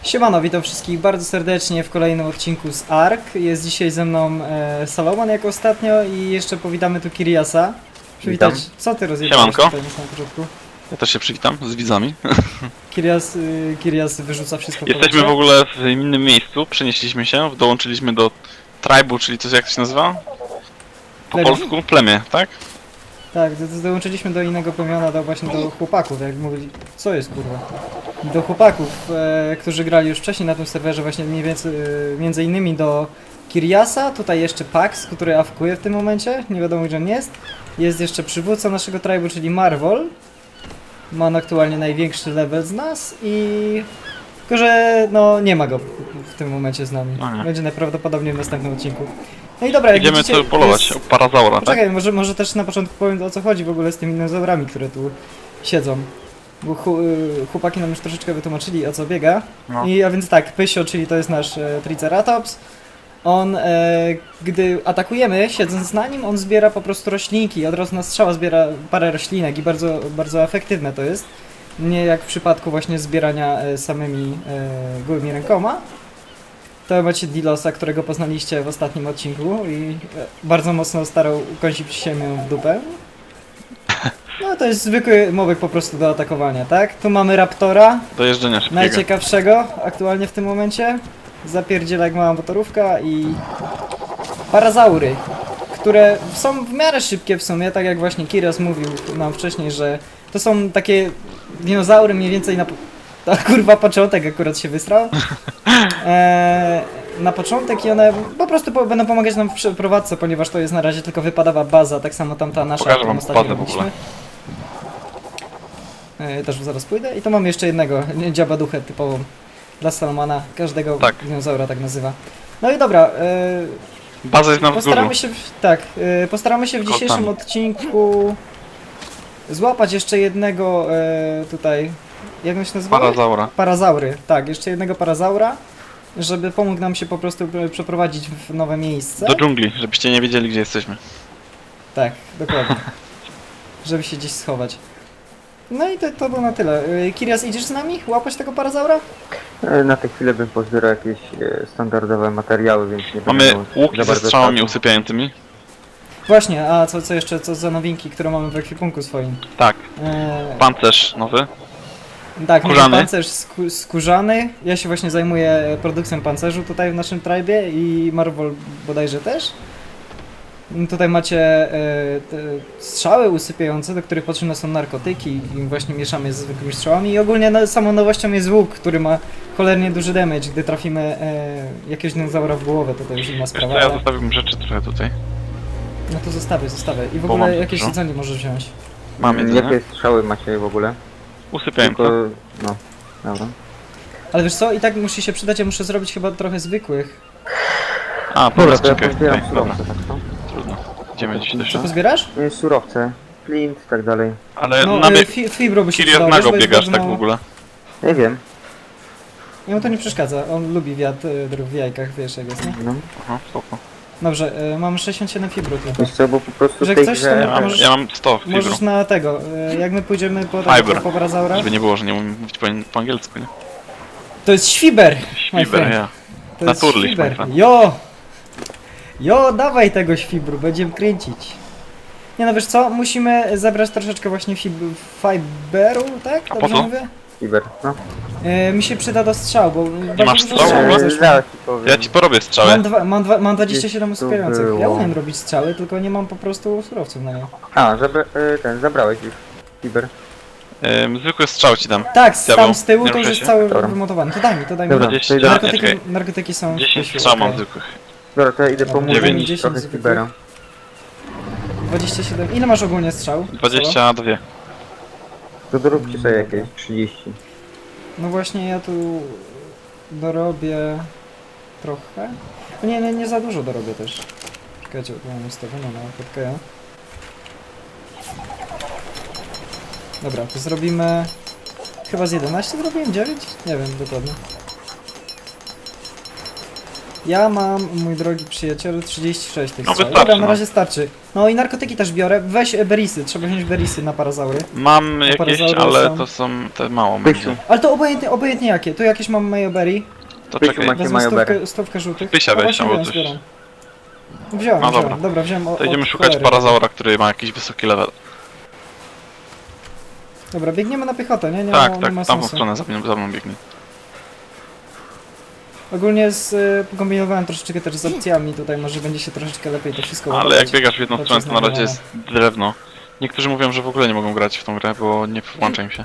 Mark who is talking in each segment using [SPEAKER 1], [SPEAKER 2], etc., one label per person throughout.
[SPEAKER 1] Siemano, witam wszystkich bardzo serdecznie w kolejnym odcinku z ARK. Jest dzisiaj ze mną Salomon jak ostatnio i jeszcze powitamy tu Kiriasa. Przywitać.
[SPEAKER 2] Witam.
[SPEAKER 1] Co ty rozjebałeś
[SPEAKER 2] Siemanko.
[SPEAKER 1] tutaj na samym początku?
[SPEAKER 2] Ja też się przywitam z widzami.
[SPEAKER 1] Kirias wyrzuca wszystko w
[SPEAKER 2] Jesteśmy
[SPEAKER 1] powietrze.
[SPEAKER 2] w ogóle w innym miejscu, przenieśliśmy się, dołączyliśmy do tribu, czyli coś jak to się nazywa? Po
[SPEAKER 1] Plemię?
[SPEAKER 2] polsku? Plemię, tak?
[SPEAKER 1] Tak, dołączyliśmy do innego plemiona, właśnie do chłopaków, jak mówili. Co jest kurwa? Do chłopaków, którzy grali już wcześniej na tym serwerze, właśnie mniej więcej, między innymi do Kiriasa, tutaj jeszcze Pax, który awkuje w tym momencie, nie wiadomo gdzie on jest. Jest jeszcze przywódca naszego tribu, czyli Marvel. Ma on aktualnie największy level z nas i... Tylko, że no nie ma go w tym momencie z nami.
[SPEAKER 2] No nie.
[SPEAKER 1] Będzie najprawdopodobniej w następnym odcinku. No i dobra, jak
[SPEAKER 2] Idziemy
[SPEAKER 1] widzicie,
[SPEAKER 2] tu polować,
[SPEAKER 1] jest-
[SPEAKER 2] o parazaura, tak?
[SPEAKER 1] Poczekaj, może też na początku powiem o co chodzi w ogóle z tymi dinozaurami, które tu siedzą. Bo chłopaki nam już troszeczkę wytłumaczyli o co biega.
[SPEAKER 2] No.
[SPEAKER 1] A więc tak, Pysio, czyli to jest nasz Triceratops. On, gdy atakujemy, siedząc na nim, on zbiera po prostu roślinki. Od razu na strzała zbiera parę roślinek i bardzo, bardzo efektywne to jest. Nie jak w przypadku właśnie zbierania samymi gołymi rękoma. To macie Dilosa, którego poznaliście w ostatnim odcinku i bardzo mocno starał ukąsić siemię w dupę. No to jest zwykły mowek po prostu do atakowania, tak? Tu mamy Raptora,
[SPEAKER 2] Do jeżdżenia szybkiego.
[SPEAKER 1] najciekawszego aktualnie w tym momencie. Zapierdziela jak mała motorówka i parazaury, które są w miarę szybkie w sumie, tak jak właśnie Kirias mówił nam wcześniej, że to są takie dinozaury mniej więcej na... To kurwa początek akurat się wysrał. Na początek i one po prostu będą pomagać nam w przeprowadzce, ponieważ to jest na razie tylko wypadawa baza, tak samo tamta nasza,
[SPEAKER 2] Pokażę
[SPEAKER 1] którą
[SPEAKER 2] wam
[SPEAKER 1] ostatnio
[SPEAKER 2] bazę w ogóle.
[SPEAKER 1] robiliśmy. Też zaraz pójdę. I tu mam jeszcze jednego dziabaduchę typową dla Salomana. Każdego
[SPEAKER 2] Tak.
[SPEAKER 1] dinozaura tak nazywa. No i dobra,
[SPEAKER 2] Baza jest na wzgórzu.
[SPEAKER 1] postaramy się w
[SPEAKER 2] Kotami.
[SPEAKER 1] dzisiejszym odcinku złapać jeszcze jednego tutaj, jak on się nazywa?
[SPEAKER 2] Parazaura.
[SPEAKER 1] Parazaury, tak, jeszcze jednego parazaura, żeby pomógł nam się po prostu przeprowadzić w nowe miejsce.
[SPEAKER 2] Do dżungli, żebyście nie wiedzieli gdzie jesteśmy.
[SPEAKER 1] Tak, dokładnie. Żeby się gdzieś schować. No i to było na tyle. Kirias, idziesz z nami łapać tego parazaura?
[SPEAKER 3] Na tę chwilę bym pozbierał jakieś standardowe materiały, więc nie
[SPEAKER 2] Mamy
[SPEAKER 3] będę miał
[SPEAKER 2] łuki
[SPEAKER 3] za
[SPEAKER 2] ze
[SPEAKER 3] bardzo
[SPEAKER 2] strzałami
[SPEAKER 3] czasu.
[SPEAKER 2] usypiającymi.
[SPEAKER 1] Właśnie, a co jeszcze, co za nowinki, które mamy w ekwipunku swoim?
[SPEAKER 2] Tak.
[SPEAKER 1] E,
[SPEAKER 2] Pancerz nowy.
[SPEAKER 1] Tak, mamy
[SPEAKER 2] Skórzany.
[SPEAKER 1] pancerz skórzany. Ja się właśnie zajmuję produkcją pancerzu tutaj w naszym tribie i Marvel bodajże też. Tutaj macie te strzały usypiające, do których potrzebne są narkotyki i właśnie mieszamy z zwykłymi strzałami. I ogólnie samą nowością jest łuk, który ma cholernie duży damage. Gdy trafimy jakiegoś dinozaura w głowę, to już inna
[SPEAKER 2] Wiesz co,
[SPEAKER 1] sprawa.
[SPEAKER 2] ja
[SPEAKER 1] Ale...
[SPEAKER 2] zostawiłbym rzeczy trochę tutaj.
[SPEAKER 1] No to zostawię. I w
[SPEAKER 2] Bo mam
[SPEAKER 1] ogóle jakieś
[SPEAKER 2] dużo.
[SPEAKER 1] jedzenie możesz wziąć.
[SPEAKER 2] Mam jedzenie.
[SPEAKER 3] Jakie strzały macie w ogóle?
[SPEAKER 2] Usypiające.
[SPEAKER 3] Tylko... no, dobra.
[SPEAKER 1] Ale wiesz co, i tak musi się przydać, ja muszę zrobić chyba trochę zwykłych.
[SPEAKER 2] A,
[SPEAKER 3] Dobra,
[SPEAKER 2] dobra,
[SPEAKER 3] to ja
[SPEAKER 2] czekaj.
[SPEAKER 3] pozbieram
[SPEAKER 2] Tutaj, dobra,
[SPEAKER 3] surowce, tak to?
[SPEAKER 2] trudno. Idziemy gdzieś do
[SPEAKER 1] Co
[SPEAKER 2] środka.
[SPEAKER 1] pozbierasz?
[SPEAKER 3] Surowce, flint i tak dalej.
[SPEAKER 2] Ale
[SPEAKER 1] No,
[SPEAKER 2] na bieg...
[SPEAKER 1] fibro by się
[SPEAKER 2] Kirias
[SPEAKER 1] przydało,
[SPEAKER 2] nago
[SPEAKER 1] bo jest
[SPEAKER 2] biegasz
[SPEAKER 1] bardzo
[SPEAKER 2] tak w
[SPEAKER 1] mało-
[SPEAKER 2] ogóle.
[SPEAKER 3] Nie wiem,
[SPEAKER 1] Jemu to nie przeszkadza, on lubi wiatr w jajkach, wiesz jak jest, nie?
[SPEAKER 3] no.
[SPEAKER 2] Aha, spoko.
[SPEAKER 1] Dobrze, mamy 67 fibru tylko.
[SPEAKER 3] Wiesz co, bo po prostu
[SPEAKER 1] Że
[SPEAKER 3] w tej
[SPEAKER 1] ktoś
[SPEAKER 3] grze...
[SPEAKER 1] tam- możesz-
[SPEAKER 2] Ja mam 100 fibru.
[SPEAKER 1] Możesz na tego, jak my pójdziemy po
[SPEAKER 2] Fiber.
[SPEAKER 1] parazaura.
[SPEAKER 2] Żeby nie było, że nie umiem mówić po angielsku, nie?
[SPEAKER 1] To jest świber! my
[SPEAKER 2] Świber,
[SPEAKER 1] friend.
[SPEAKER 2] ja.
[SPEAKER 1] To jest
[SPEAKER 2] Naturlich, my
[SPEAKER 1] świber.
[SPEAKER 2] friend.
[SPEAKER 1] Jo, dawaj tego świbru, będziemy kręcić. Nie no wiesz co, musimy zebrać troszeczkę właśnie fiberu, tak?
[SPEAKER 2] A po
[SPEAKER 1] Dobrze
[SPEAKER 2] co?
[SPEAKER 1] mówię?
[SPEAKER 3] Fiber, no.
[SPEAKER 1] Mi się przyda do strzał, bo bardzo
[SPEAKER 2] masz
[SPEAKER 1] dużo
[SPEAKER 2] strzał w ogóle?
[SPEAKER 1] zeszło.
[SPEAKER 3] Zaraz ci powiem.
[SPEAKER 2] Ja ci porobię strzały.
[SPEAKER 1] Mam 27
[SPEAKER 3] Gdzieś tu
[SPEAKER 1] usypiających. Ja
[SPEAKER 3] było.
[SPEAKER 1] umiem robić strzały, tylko nie mam po prostu surowców na nie.
[SPEAKER 3] A, zabrałeś już. Fiber.
[SPEAKER 2] Zwykły strzał ci dam.
[SPEAKER 1] Tak,
[SPEAKER 2] Diabeł,
[SPEAKER 1] tam z tyłu
[SPEAKER 2] nie
[SPEAKER 1] to już
[SPEAKER 2] ruszaj
[SPEAKER 1] jest
[SPEAKER 2] się.
[SPEAKER 1] cały
[SPEAKER 3] Dobra.
[SPEAKER 1] wymontowany. To daj mi.
[SPEAKER 3] Dobra,
[SPEAKER 2] 20,
[SPEAKER 3] to idę.
[SPEAKER 1] Narkotyki są w
[SPEAKER 2] 10
[SPEAKER 1] Pysiu,
[SPEAKER 2] strzał mam
[SPEAKER 1] okej.
[SPEAKER 2] zwykłych.
[SPEAKER 3] Dobra, to ja idę
[SPEAKER 1] Dobra,
[SPEAKER 3] pomóc
[SPEAKER 2] 9.
[SPEAKER 3] trochę
[SPEAKER 1] zwykłych.
[SPEAKER 3] Fibera.
[SPEAKER 1] 27. Ile masz ogólnie strzał?
[SPEAKER 2] 22.
[SPEAKER 3] To doróbcie sobie jakieś 30.
[SPEAKER 1] No właśnie ja tu dorobię trochę. No nie za dużo dorobię też. Czekajcie, tu mam ustawione na podkaja. Dobra, to zrobimy... Chyba z 11 zrobiłem? 9? Nie wiem dokładnie. Ja mam, mój drogi przyjacielu, 36 tych
[SPEAKER 2] No
[SPEAKER 1] strzał.
[SPEAKER 2] wystarczy,
[SPEAKER 1] Dobra, na
[SPEAKER 2] no.
[SPEAKER 1] razie starczy. No i narkotyki też biorę. Weź berisy, trzeba wziąć berisy na parazaury.
[SPEAKER 2] Mam jakieś,
[SPEAKER 1] parazaury
[SPEAKER 2] ale
[SPEAKER 1] są-
[SPEAKER 2] to są te mało
[SPEAKER 3] Pysiu,
[SPEAKER 2] będzie.
[SPEAKER 1] Ale to obojętnie jakie. Tu jakieś mam mayoberry.
[SPEAKER 2] To
[SPEAKER 3] Pysiu,
[SPEAKER 2] czekaj,
[SPEAKER 3] macie
[SPEAKER 1] Wezmę
[SPEAKER 3] majoberry.
[SPEAKER 1] stówkę żółtych.
[SPEAKER 2] Pysia
[SPEAKER 1] O,
[SPEAKER 2] weź
[SPEAKER 1] właśnie
[SPEAKER 2] albo
[SPEAKER 1] wziąłem,
[SPEAKER 2] coś.
[SPEAKER 1] zbieram. Wziąłem,
[SPEAKER 2] No
[SPEAKER 1] wziąłem.
[SPEAKER 2] dobra.
[SPEAKER 1] Dobra, wziąłem
[SPEAKER 2] To idziemy
[SPEAKER 1] od
[SPEAKER 2] szukać
[SPEAKER 1] cholery.
[SPEAKER 2] parazaura, który ma jakiś wysoki level.
[SPEAKER 1] Dobra, biegniemy na piechotę, nie? Nie,
[SPEAKER 2] Tak,
[SPEAKER 1] ma,
[SPEAKER 2] tak,
[SPEAKER 1] nie ma
[SPEAKER 2] w tamtą
[SPEAKER 1] sensu.
[SPEAKER 2] stronę za mną biegnie.
[SPEAKER 1] Ogólnie kombinowałem troszeczkę też z opcjami, tutaj może będzie się troszeczkę lepiej to wszystko
[SPEAKER 2] Ale
[SPEAKER 1] ładować.
[SPEAKER 2] jak biegasz w jedną
[SPEAKER 1] To
[SPEAKER 2] stronę,
[SPEAKER 1] jest
[SPEAKER 2] to na razie
[SPEAKER 1] normalne.
[SPEAKER 2] jest drewno. Niektórzy mówią, że w ogóle nie mogą grać w tą grę, bo nie włącza im się.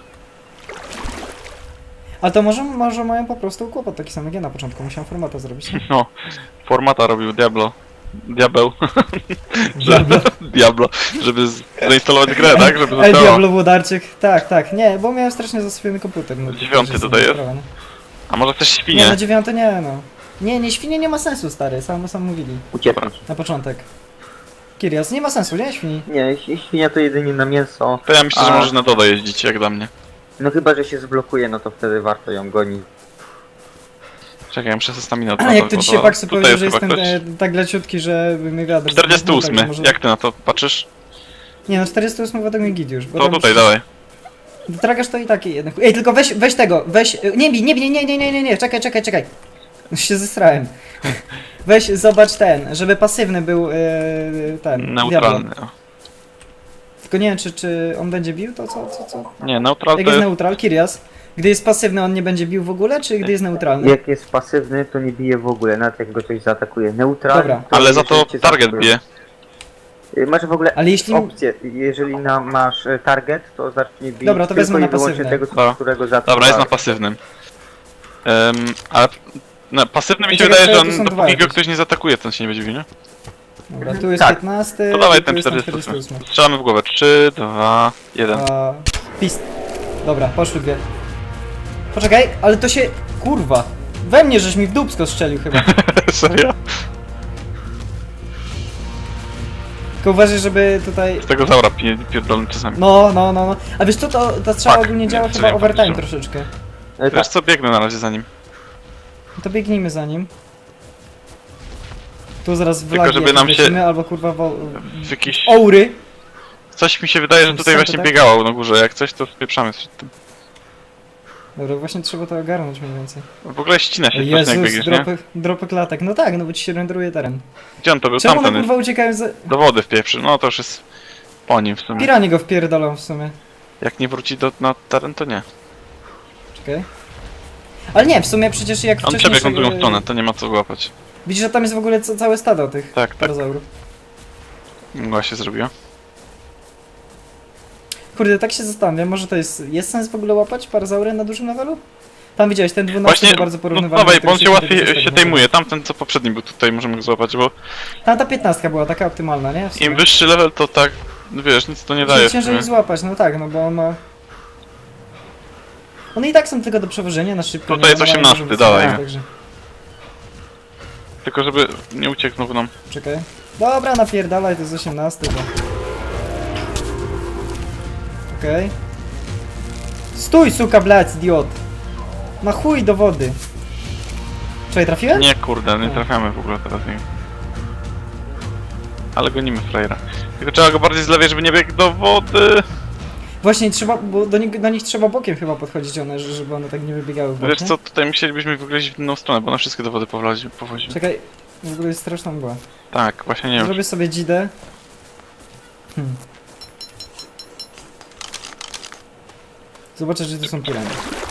[SPEAKER 1] Ale to może mają po prostu kłopot taki sam jak ja na początku, musiałem formata zrobić.
[SPEAKER 2] No, formata robił Diablo. Diabeł.
[SPEAKER 1] Diablo.
[SPEAKER 2] Diablo. Żeby zainstalować grę, tak? Żeby
[SPEAKER 1] El
[SPEAKER 2] zadziałała.
[SPEAKER 1] Diablo Włodarczyk, tak, nie, bo miałem strasznie zasypiony komputer. No, to
[SPEAKER 2] 9
[SPEAKER 1] też
[SPEAKER 2] tutaj jest?
[SPEAKER 1] sprawa, nie?
[SPEAKER 2] A może też
[SPEAKER 1] Nie,
[SPEAKER 2] świnie?
[SPEAKER 1] na 9 nie, no. Nie, świnie nie ma sensu, stary, sam mówili
[SPEAKER 3] Uciekać.
[SPEAKER 1] na początek. Kirias, nie ma sensu, nie, świni.
[SPEAKER 3] Nie, świnia to jedynie na mięso.
[SPEAKER 2] To ja myślę, że
[SPEAKER 3] A.
[SPEAKER 2] możesz na Doda jeździć, jak dla mnie.
[SPEAKER 3] No chyba, że się zblokuje, no to wtedy warto ją gonić.
[SPEAKER 2] Czekaj, ja muszę sobie staminę
[SPEAKER 1] A jak to dzisiaj Paxu
[SPEAKER 2] Tutaj
[SPEAKER 1] powiedział, że
[SPEAKER 2] jest chyba
[SPEAKER 1] jestem
[SPEAKER 2] ktoś.
[SPEAKER 1] tak leciutki, że mnie wiatr...
[SPEAKER 2] 48.
[SPEAKER 1] tak, może...
[SPEAKER 2] Jak ty na to patrzysz?
[SPEAKER 1] Nie no, 48 według mnie git już. bo
[SPEAKER 2] To
[SPEAKER 1] tam
[SPEAKER 2] tutaj,
[SPEAKER 1] już-
[SPEAKER 2] dawaj.
[SPEAKER 1] Tragasz to i taki jednak. Ej, tylko weź tego, weź. Nie bij, nie, czekaj. Już się zesrałem. Weź, zobacz ten, żeby pasywny był ten. Diablo.
[SPEAKER 2] Neutralny. o.
[SPEAKER 1] Tylko nie wiem, czy on będzie bił, to co?
[SPEAKER 2] Nie, neutral
[SPEAKER 1] Jak
[SPEAKER 2] to
[SPEAKER 1] jest
[SPEAKER 2] jest...
[SPEAKER 1] neutral, Kirias? Gdy jest pasywny, on nie będzie bił w ogóle, czy gdy jest neutralny?
[SPEAKER 3] Jak jest pasywny, to nie bije w ogóle, nawet jak go coś zaatakuje. Neutral.
[SPEAKER 1] Dobra.
[SPEAKER 2] Ale za to
[SPEAKER 3] jeżeli cię
[SPEAKER 2] target
[SPEAKER 3] zaatakuje.
[SPEAKER 2] bije.
[SPEAKER 3] Masz w ogóle
[SPEAKER 1] Ale jeśli...
[SPEAKER 3] opcję, jeżeli masz target, to zacznie bić
[SPEAKER 1] Dobra, to
[SPEAKER 3] tylko
[SPEAKER 1] wezmę
[SPEAKER 3] i
[SPEAKER 1] na
[SPEAKER 3] wyłącznie
[SPEAKER 1] pasywny.
[SPEAKER 3] tego,
[SPEAKER 2] Dobra.
[SPEAKER 3] którego zaatakuje.
[SPEAKER 2] Dobra, jest na pasywnym. Ale na pasywnym mi się
[SPEAKER 1] Czekaj,
[SPEAKER 2] wydaje, że
[SPEAKER 1] to są
[SPEAKER 2] on,
[SPEAKER 1] dwa
[SPEAKER 2] dopóki go
[SPEAKER 1] jakieś.
[SPEAKER 2] ktoś nie zaatakuje, to on się nie będzie bił, nie?
[SPEAKER 1] Dobra, tu jest
[SPEAKER 3] Tak.
[SPEAKER 1] 15,
[SPEAKER 2] To dawaj
[SPEAKER 1] tu
[SPEAKER 2] ten
[SPEAKER 1] jest
[SPEAKER 2] 48. Strzelamy w głowę. 3, 2, 1.
[SPEAKER 1] A, pist. Dobra, poszły dwie. Poczekaj, ale to się... Kurwa. We mnie żeś mi w dupsko strzelił chyba.
[SPEAKER 2] Serio?
[SPEAKER 1] Tylko uważaj, żeby tutaj...
[SPEAKER 2] Z tego zaura pierdolny czasami.
[SPEAKER 1] No. A wiesz co, ta strzała
[SPEAKER 2] Tak,
[SPEAKER 1] ogólnie
[SPEAKER 2] nie,
[SPEAKER 1] działa
[SPEAKER 2] co
[SPEAKER 1] chyba
[SPEAKER 2] ja
[SPEAKER 1] overtime
[SPEAKER 2] powiedziałem.
[SPEAKER 1] troszeczkę.
[SPEAKER 3] Tak.
[SPEAKER 2] Wiesz co, biegnę na razie za nim.
[SPEAKER 1] No to biegnijmy za nim. Tu zaraz w
[SPEAKER 2] Tylko
[SPEAKER 1] lagi
[SPEAKER 2] żeby
[SPEAKER 1] jakieś
[SPEAKER 2] nam się-
[SPEAKER 1] lecimy, albo kurwa
[SPEAKER 2] W jakiś...
[SPEAKER 1] Oury.
[SPEAKER 2] Coś mi się wydaje, że tutaj
[SPEAKER 1] Są
[SPEAKER 2] właśnie
[SPEAKER 1] tak?
[SPEAKER 2] biegało na górze. Jak coś, to spieprzamy przed tym.
[SPEAKER 1] Dobra, właśnie trzeba to ogarnąć mniej więcej.
[SPEAKER 2] W ogóle ścina
[SPEAKER 1] O
[SPEAKER 2] się strasznie jak
[SPEAKER 1] Jezus,
[SPEAKER 2] biegniesz, nie?
[SPEAKER 1] dropy klatek. No tak, no bo ci się renderuje teren.
[SPEAKER 2] Gdzie on to był?
[SPEAKER 1] Czemu one
[SPEAKER 2] Tamten jest.
[SPEAKER 1] kurwa uciekają za...
[SPEAKER 2] Do wody wpieprzy. No to już jest po nim w sumie.
[SPEAKER 1] Piranie go wpierdolą w sumie.
[SPEAKER 2] Jak nie wróci na teren, to nie.
[SPEAKER 1] Czekaj. Ale nie, w sumie przecież jak
[SPEAKER 2] On
[SPEAKER 1] wcześniej...
[SPEAKER 2] przebiegł na drugą stronę, to nie ma co łapać.
[SPEAKER 1] Widzisz, że tam jest w ogóle całe stado tych
[SPEAKER 2] Tak, tak.
[SPEAKER 1] parazaurów.
[SPEAKER 2] Mgła się zrobiła.
[SPEAKER 1] Kurde, tak się zastanawiam, może to jest sens w ogóle łapać parazaury na dużym levelu? Tam widziałeś, ten 12
[SPEAKER 2] Właśnie,
[SPEAKER 1] to bardzo
[SPEAKER 2] no
[SPEAKER 1] porównywalny.
[SPEAKER 2] dawaj,
[SPEAKER 1] do
[SPEAKER 2] bo on się
[SPEAKER 1] tego
[SPEAKER 2] łatwiej
[SPEAKER 1] 20,
[SPEAKER 2] się tejmuje. Tamten co poprzedni był tutaj, możemy go złapać, bo
[SPEAKER 1] Tam ta 15 była taka optymalna, nie? W sumie.
[SPEAKER 2] im wyższy level, to tak, no wiesz, nic to nie daje w
[SPEAKER 1] Ciężej
[SPEAKER 2] sumie.
[SPEAKER 1] ich złapać, no tak, no bo on ma... One i tak są tylko do przewożenia na szybko.
[SPEAKER 2] Tutaj
[SPEAKER 1] nie?
[SPEAKER 2] jest
[SPEAKER 1] One mają
[SPEAKER 2] 18,
[SPEAKER 1] dużo
[SPEAKER 2] dawaj.
[SPEAKER 1] wytrzymania, także...
[SPEAKER 2] Tylko żeby nie uciekł znowu nam.
[SPEAKER 1] Czekaj. Dobra, napierdalaj, to jest 18, to... Okej. Stój, suka, blać, idiot! Na chuj do wody! Czekaj, trafiłem?
[SPEAKER 2] Nie kurde, nie trafiamy w ogóle teraz nie. Ale gonimy frajera. Tylko trzeba go bardziej z lewej, żeby nie biegł do wody.
[SPEAKER 1] Właśnie trzeba, bo do nich trzeba bokiem chyba podchodzić one, żeby one tak nie wybiegały w bok,
[SPEAKER 2] Wiesz
[SPEAKER 1] nie?
[SPEAKER 2] co, tutaj musielibyśmy w ogóle iść w inną stronę, bo na wszystkie do wody powozimy.
[SPEAKER 1] Czekaj, w ogóle jest straszna mgła.
[SPEAKER 2] Tak, właśnie nie wiem.
[SPEAKER 1] Zrobię sobie dzidę. Zobaczę, że tu są pirany.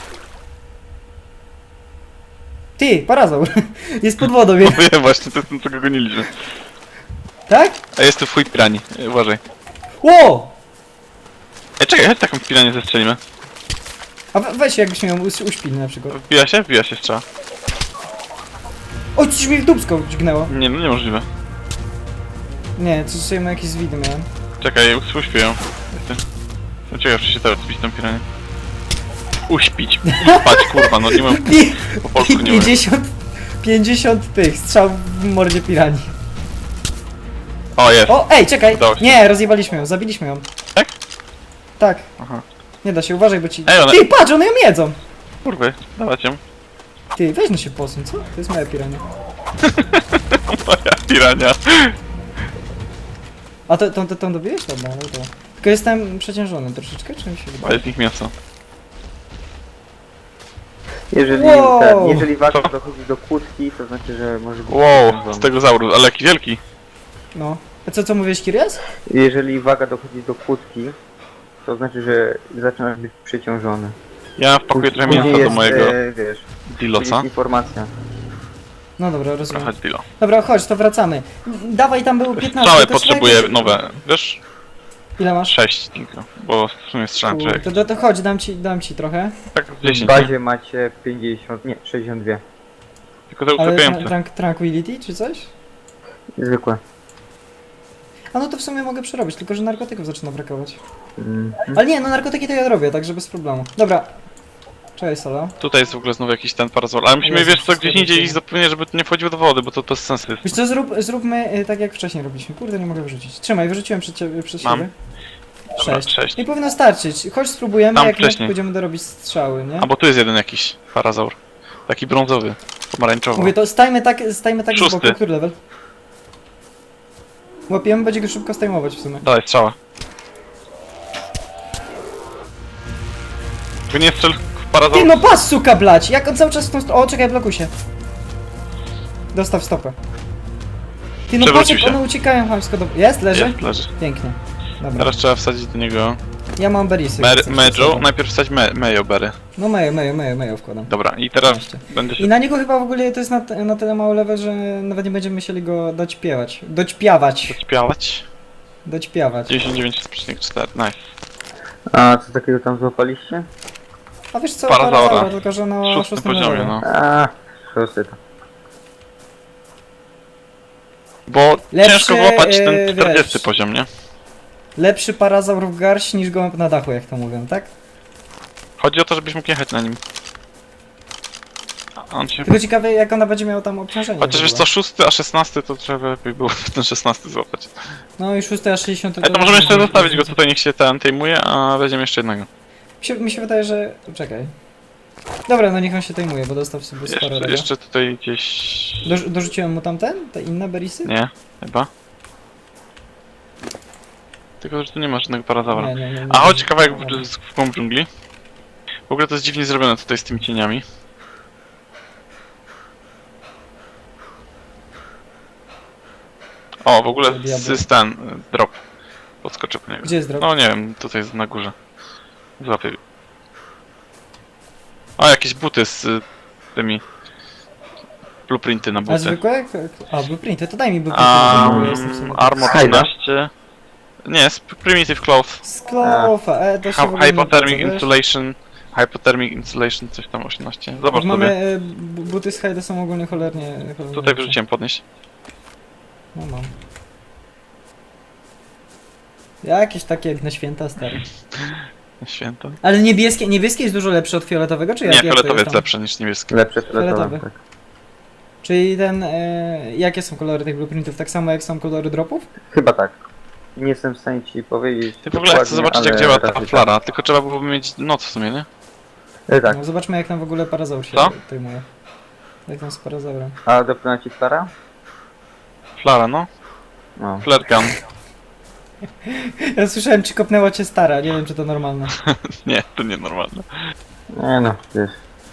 [SPEAKER 1] Ty, parazaur! Jest pod wodą, wie.
[SPEAKER 2] Wiem właśnie, to jest ten, co go goniliśmy.
[SPEAKER 1] Tak?
[SPEAKER 2] A jest tu w chuj pirani, uważaj.
[SPEAKER 1] Ło!
[SPEAKER 2] Czekaj, chodź taką piranię zestrzelimy.
[SPEAKER 1] A weź jakbyśmy ją uśpili na przykład.
[SPEAKER 2] Wbija się? Wbija się strzała.
[SPEAKER 1] Oj, coś mi w dupsko dźgnęło.
[SPEAKER 2] Nie, no niemożliwe.
[SPEAKER 1] Nie, coś sobie jakieś zwidy miałem.
[SPEAKER 2] Czekaj, uśpię ją. No ciekawe, czy się teraz zbić tą piranię. Uśpić. Spać, kurwa, no nie mam... Po polsku nie wiem.
[SPEAKER 1] 50 tych strzał w mordzie pirani.
[SPEAKER 2] O, jest.
[SPEAKER 1] O, ej, czekaj!
[SPEAKER 2] Udało się.
[SPEAKER 1] Nie, rozjebaliśmy ją, zabiliśmy ją.
[SPEAKER 2] Tak?
[SPEAKER 1] Tak.
[SPEAKER 2] Aha.
[SPEAKER 1] Nie da się, uważaj, bo ci...
[SPEAKER 2] Ej, one-
[SPEAKER 1] Ty, patrz, one ją jedzą!
[SPEAKER 2] Kurwy, dawać ją.
[SPEAKER 1] Ty, weź no się posuń, co? To jest moja pirania.
[SPEAKER 2] Moja pirania.
[SPEAKER 1] A tą dobiłeś? Dobra, no to. Tylko jestem przeciążony troszeczkę, czy mi się
[SPEAKER 2] A
[SPEAKER 1] wydaje?
[SPEAKER 2] jest ich mięso.
[SPEAKER 1] Wow!
[SPEAKER 3] Jeżeli waga
[SPEAKER 2] Co?
[SPEAKER 3] dochodzi do kłódki, to znaczy, że może być
[SPEAKER 2] Wow,
[SPEAKER 3] przeciążony.
[SPEAKER 2] stegozaurus, ale jaki wielki.
[SPEAKER 1] No. A co mówiłeś, Kirias?
[SPEAKER 3] Jeżeli waga dochodzi do kłódki, to znaczy, że zaczynasz być przeciążony.
[SPEAKER 2] Ja wpakuję trochę
[SPEAKER 3] Później
[SPEAKER 2] mięsa do
[SPEAKER 3] jest,
[SPEAKER 2] mojego
[SPEAKER 3] wiesz,
[SPEAKER 2] dilosa.
[SPEAKER 3] jest informacja.
[SPEAKER 1] No dobra, rozumiem.
[SPEAKER 2] Trochę dilo.
[SPEAKER 1] Dobra, chodź, to wracamy. Dawaj, tam było 15.
[SPEAKER 2] Strzały
[SPEAKER 1] to
[SPEAKER 2] potrzebuję
[SPEAKER 1] jakieś-
[SPEAKER 2] nowe. Wiesz?
[SPEAKER 1] Ile masz?
[SPEAKER 2] 6 tylko, bo w sumie strzelam
[SPEAKER 1] Kurde,
[SPEAKER 2] człowiek.
[SPEAKER 1] to chodź, dam ci trochę.
[SPEAKER 2] Tak
[SPEAKER 3] W
[SPEAKER 2] 10, nie?
[SPEAKER 3] bazie macie 50, nie, 62.
[SPEAKER 2] Tylko te
[SPEAKER 1] Ale
[SPEAKER 2] uklepiające.
[SPEAKER 1] tranquility czy coś?
[SPEAKER 3] Zwykłe.
[SPEAKER 1] A no to w sumie mogę przerobić, tylko że narkotyków zaczyna brakować.
[SPEAKER 3] Mhm.
[SPEAKER 1] Ale nie, no narkotyki to ja robię, także bez problemu. Dobra. Cześć, Solo.
[SPEAKER 2] Tutaj jest w ogóle znowu jakiś ten parasol, ale musimy,
[SPEAKER 1] Jezu,
[SPEAKER 2] wiesz co, gdzieś
[SPEAKER 1] wszystko
[SPEAKER 2] indziej
[SPEAKER 1] widzę.
[SPEAKER 2] iść zupełnie, żeby to nie wchodziło do wody, bo to bez sensu jest.
[SPEAKER 1] Wiesz co, zróbmy tak jak wcześniej robiliśmy. Kurde, nie mogę wyrzucić. Trzymaj, wyrzuciłem przed
[SPEAKER 2] Mam.
[SPEAKER 1] siebie.
[SPEAKER 2] Dobra,
[SPEAKER 1] 6.
[SPEAKER 2] 6.
[SPEAKER 1] Nie powinno starczyć. Chodź spróbujemy,
[SPEAKER 2] Tam
[SPEAKER 1] jak nie
[SPEAKER 2] wcześniej.
[SPEAKER 1] będziemy dorobić strzały, nie?
[SPEAKER 2] A bo tu jest jeden jakiś parazaur. Taki brązowy, pomarańczowy.
[SPEAKER 1] Mówię, to stajmy tak z boku.
[SPEAKER 2] Szósty.
[SPEAKER 1] Który level? Łapiemy, będzie go szybko stajmować w sumie.
[SPEAKER 2] Dalej, strzała. Tylko nie strzel w
[SPEAKER 1] Ty
[SPEAKER 2] parazaur.
[SPEAKER 1] no pas, suka blać! Jak on cały czas w tą O, czekaj, blokuj się. Dostaw stopę. Ty no patrz,
[SPEAKER 2] Przewrócił
[SPEAKER 1] jak
[SPEAKER 2] się.
[SPEAKER 1] one uciekają chamsko do... Jest? Leży?
[SPEAKER 2] Jest, leży.
[SPEAKER 1] Pięknie. Dobra.
[SPEAKER 2] Teraz trzeba wsadzić do niego
[SPEAKER 1] Ja mam berisy.
[SPEAKER 2] Mejo. Najpierw wsadź Mejo Berry.
[SPEAKER 1] No Mejo wkładam.
[SPEAKER 2] Dobra, i teraz
[SPEAKER 1] Oczywiście.
[SPEAKER 2] będę
[SPEAKER 1] I
[SPEAKER 2] się...
[SPEAKER 1] na niego chyba w ogóle to jest na tyle mały level, że nawet nie będziemy musieli go doćpiawać.
[SPEAKER 2] Śpiewać.
[SPEAKER 1] Doćpiawać.
[SPEAKER 2] 99,4, nice.
[SPEAKER 3] A co takiego tam złapaliście?
[SPEAKER 1] A wiesz co,
[SPEAKER 2] Parazaura.
[SPEAKER 1] tylko że na
[SPEAKER 2] W 6
[SPEAKER 1] szóstym
[SPEAKER 2] poziomie,
[SPEAKER 1] levelu.
[SPEAKER 2] no.
[SPEAKER 3] A, szósty to.
[SPEAKER 2] Bo
[SPEAKER 1] Lepszy,
[SPEAKER 2] ciężko złapać ten 40
[SPEAKER 1] wiesz.
[SPEAKER 2] poziom, nie?
[SPEAKER 1] Lepszy parazaur w garść niż gołąb na dachu, jak to mówią, tak?
[SPEAKER 2] Chodzi o to, żebyś mógł jechać na nim. A on się...
[SPEAKER 1] Tylko ciekawe, jak ona będzie miała tam obciążenie.
[SPEAKER 2] Chociaż
[SPEAKER 1] w
[SPEAKER 2] wiesz
[SPEAKER 1] ogóle.
[SPEAKER 2] co, 6, a 16 to trzeba lepiej było ten 16 złapać.
[SPEAKER 1] No i 6 a 60
[SPEAKER 2] Ale to możemy jeszcze zostawić go tutaj, niech się ten tejmuje, a weźmiemy jeszcze jednego.
[SPEAKER 1] Mi się wydaje, że... Czekaj. Dobra, no niech on się tejmuje, bo dostał sobie sporo
[SPEAKER 2] Jeszcze,
[SPEAKER 1] tego.
[SPEAKER 2] jeszcze tutaj gdzieś...
[SPEAKER 1] Dorzuciłem mu tamten? Te inne berisy?
[SPEAKER 2] Nie, chyba. Tylko, że tu nie ma żadnego parazaura.
[SPEAKER 1] Nie.
[SPEAKER 2] A chodź kawałek w głąb dżungli. W ogóle to jest dziwnie zrobione tutaj z tymi cieniami. O, w ogóle jest ten drop. Podskoczę po niego.
[SPEAKER 1] Gdzie jest drop?
[SPEAKER 2] No nie wiem, tutaj jest na górze. Złapię. O, jakieś buty z tymi blueprinty na
[SPEAKER 1] A
[SPEAKER 2] buty.
[SPEAKER 1] zwykłe? A, blueprinty, to daj mi blueprinty. bo jestem w sumie-
[SPEAKER 2] Armor
[SPEAKER 3] Hajda.
[SPEAKER 2] 13. Nie, Primitive Cloth.
[SPEAKER 1] Sklofa, to się w ogóle nie
[SPEAKER 2] Hypothermic
[SPEAKER 1] opłaca, wiesz?
[SPEAKER 2] Insulation. Hypothermic Insulation, coś tam 18. Zobacz
[SPEAKER 1] Mamy
[SPEAKER 2] sobie.
[SPEAKER 1] buty z Hajda są ogólnie cholernie
[SPEAKER 2] Tutaj
[SPEAKER 1] lepsze.
[SPEAKER 2] wyrzuciłem podnieść.
[SPEAKER 1] No mam. Jakieś takie jak na święta, stary.
[SPEAKER 2] Święto.
[SPEAKER 1] Ale niebieskie jest dużo lepsze od fioletowego, czy jak?
[SPEAKER 2] Nie,
[SPEAKER 1] jak to
[SPEAKER 2] fioletowy jest
[SPEAKER 1] tam?
[SPEAKER 2] lepszy niż niebieski.
[SPEAKER 3] Lepsze
[SPEAKER 1] Fioletowy.
[SPEAKER 3] fioletowe, tak.
[SPEAKER 1] Czyli ten, jakie są kolory tych blueprintów? Tak samo jak są kolory dropów?
[SPEAKER 3] Chyba tak. Nie jestem w stanie ci powiedzieć.
[SPEAKER 2] Ty w ogóle chcę
[SPEAKER 3] dokładnie,
[SPEAKER 2] zobaczyć jak
[SPEAKER 3] ale
[SPEAKER 2] działa ta
[SPEAKER 3] raczej
[SPEAKER 2] flara, tylko trzeba byłoby mieć noc w sumie, nie?
[SPEAKER 3] Tak.
[SPEAKER 1] No, zobaczmy jak tam w ogóle parazaur się
[SPEAKER 2] Co?
[SPEAKER 1] tejmuje. Jak tam z parazaurem.
[SPEAKER 3] A dopłynęła ci Klara?
[SPEAKER 2] Flara, no.
[SPEAKER 3] No.
[SPEAKER 2] Flare gun.
[SPEAKER 1] Ja słyszałem, czy kopnęła cię stara, nie wiem czy to normalne.
[SPEAKER 2] Nie, to nienormalne.
[SPEAKER 3] Nie no, wiesz.